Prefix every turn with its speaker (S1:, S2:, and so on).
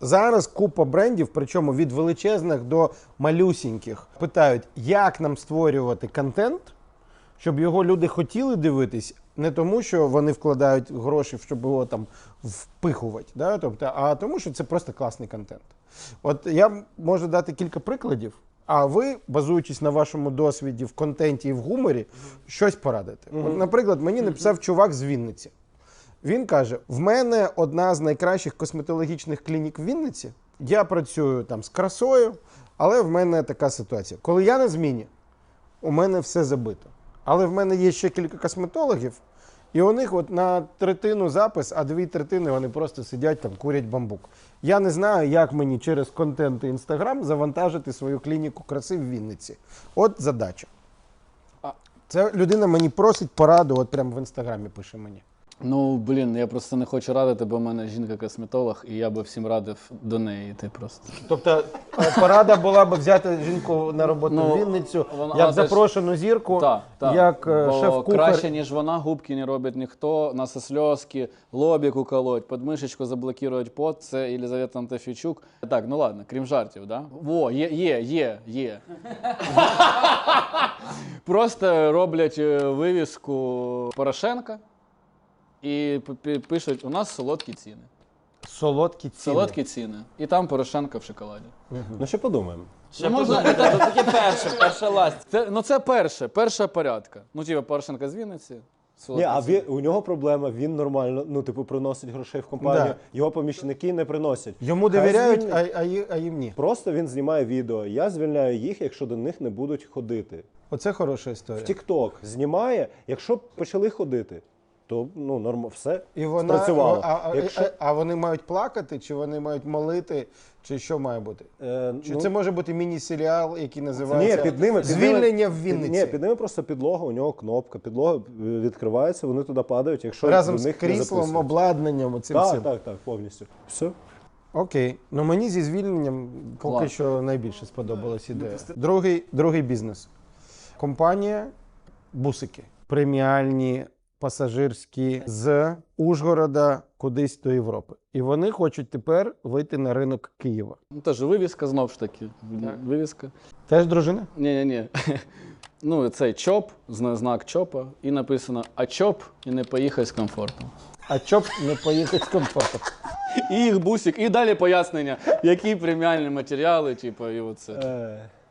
S1: Зараз купа брендів, причому від величезних до малюсіньких, питають, як нам створювати контент, щоб його люди хотіли дивитись, не тому, що вони вкладають гроші, щоб його там впихувати, да? Тобто, а тому, що це просто класний контент. От я можу дати кілька прикладів, а ви, базуючись на вашому досвіді в контенті і в гуморі, щось порадите. От, наприклад, мені написав чувак з Вінниці. Він каже, в мене одна з найкращих косметологічних клінік в Вінниці, я працюю там з красою, але в мене така ситуація. Коли я на зміні, у мене все забито. Але в мене є ще кілька косметологів, і у них от на третину запис, а 2/3 вони просто сидять там, курять бамбук. Я не знаю, як мені через контент і Інстаграм завантажити свою клініку краси в Вінниці. От задача. Це людина мені просить пораду, от прямо в Інстаграмі пише мені.
S2: Ну, блін, я просто не хочу радити, бо в мене жінка-косметолог, і я би всім радив до неї йти просто.
S1: Тобто порада була б взяти жінку на роботу в Вінницю, як запрошену зірку, як шеф-кухар.
S2: Краще, ніж вона, губки не робить ніхто, насосльозки, лобік уколоть, подмишечку заблокувати пот, це Єлизавета Антофійчук. Так, ну ладно, крім жартів, да? Во, є. Просто роблять вивіску Порошенка. І пишуть, у нас солодкі ціни.
S1: Солодкі ціни.
S2: Солодкі ціни. І там Порошенко в шоколаді.
S3: Ну ще подумаємо.
S4: Ще можна, це таке перша ласть.
S2: Це перша порядка. Ну, типу, Порошенко з Вінниці.
S3: Ні, а у нього проблема, він нормально, ну, типу, приносить грошей в компанію,
S1: Да.
S3: Його помічники не приносять.
S1: Йому довіряють, а їм ні.
S3: Просто він знімає відео, я звільняю їх, якщо до них не будуть ходити.
S1: Оце хороша історія.
S3: В TikTok знімає, якщо б почали ходити, то ну, все
S1: І вона,
S3: спрацювало.
S1: А вони мають плакати, чи вони мають молити, чи що має бути? Чи це може бути міні-серіал, який називається
S3: Ні, під ними,
S1: «Звільнення в Вінниці»?
S3: Ні, під ними просто підлога, у нього кнопка, підлога відкривається, вони туди падають, якщо
S1: разом
S3: до
S1: з
S3: них не
S1: кріслом,
S3: записують.
S1: обладнанням, оцим всім.
S3: Так, повністю. Все.
S1: Окей. Ну мені зі звільненням поки що найбільше сподобалась ідея. Другий бізнес. Компанія «Бусики». Преміальні, пасажирські з Ужгорода кудись до Європи. І вони хочуть тепер вийти на ринок Києва.
S2: Ну, теж вивіска, знов ж таки. Вивіска.
S1: Теж дружина?
S2: Ні. Ну, цей ЧОП, знак ЧОПа, і написано «А ЧОП і не поїхай з комфортом».
S1: А чоп не поїхати з комфортом.
S2: І їх бусик, і далі пояснення, які преміальні матеріали, типу, і оце.